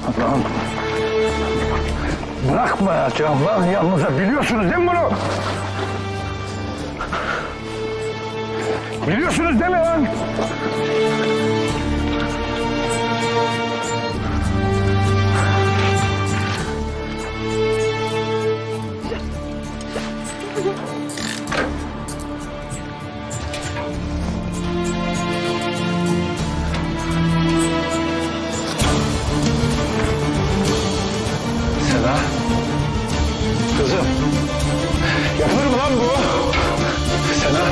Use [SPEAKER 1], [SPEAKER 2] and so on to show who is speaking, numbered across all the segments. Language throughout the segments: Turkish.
[SPEAKER 1] Lan. Bırakmayacağım lan yalnız. Biliyorsunuz değil mi bunu? Biliyorsunuz değil mi lan? Seda. Kızım. Yapılır mı lan bu? Seda.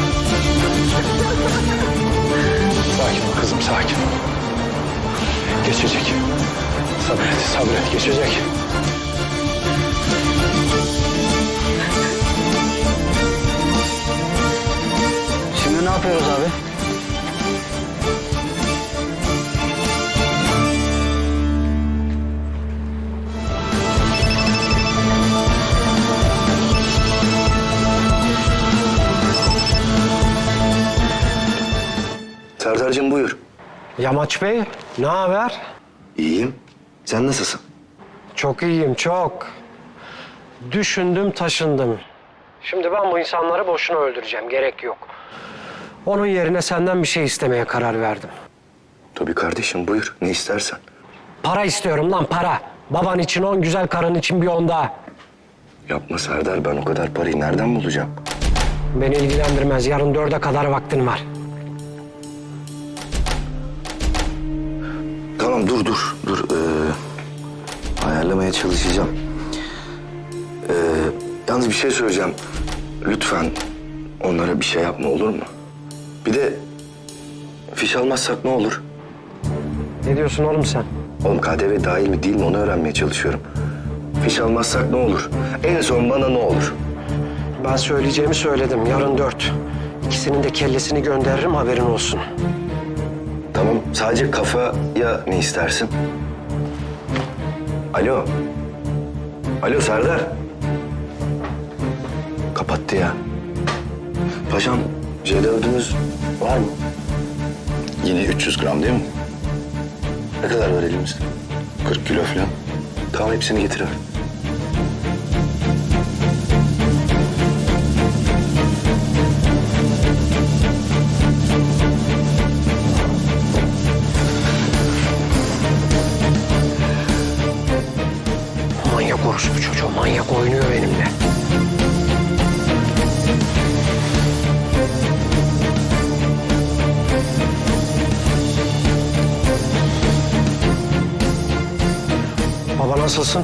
[SPEAKER 1] Sakin ol kızım, sakin ol. Geçecek. Sabret, sabret. Geçecek.
[SPEAKER 2] Şimdi ne yapıyoruz abi?
[SPEAKER 3] Serdar'cığım buyur.
[SPEAKER 4] Yamaç Bey, ne haber?
[SPEAKER 3] İyiyim. Sen nasılsın?
[SPEAKER 4] Çok iyiyim, çok. Düşündüm, taşındım. Şimdi ben bu insanları boşuna öldüreceğim, gerek yok. Onun yerine senden bir şey istemeye karar verdim.
[SPEAKER 3] Tabii kardeşim buyur. Ne istersen.
[SPEAKER 4] Para istiyorum lan, para. Baban için 10, güzel karın için bir 10 daha.
[SPEAKER 3] Yapma Serdar. Ben o kadar parayı nereden bulacağım?
[SPEAKER 4] Beni ilgilendirmez, yarın 4'e kadar vaktin var.
[SPEAKER 3] Tamam dur. Ayarlamaya çalışacağım. Yalnız bir şey söyleyeceğim. Lütfen onlara bir şey yapma olur mu? Bir de fiş almazsak ne olur?
[SPEAKER 4] Ne diyorsun oğlum sen?
[SPEAKER 3] Oğlum KDV dahil mi değil mi onu öğrenmeye çalışıyorum. Fiş almazsak ne olur? En son bana ne olur?
[SPEAKER 4] Ben söyleyeceğimi söyledim, yarın 4. İkisinin de kellesini gönderirim, haberin olsun.
[SPEAKER 3] Tamam sadece kafaya ne istersin? Alo. Alo Serdar. Kapattı ya. Paşam C4'ünüz var mı? Yine 300 gram değil mi? Ne kadar var elimizde? 40 kilo falan. Tamam hepsini getir abi.
[SPEAKER 4] Manyak orospu çocuğu, manyak oynuyor benimle. Baba nasılsın?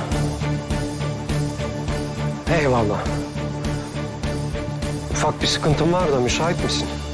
[SPEAKER 4] Eyvallah. Ufak bir sıkıntım var da müsait misin?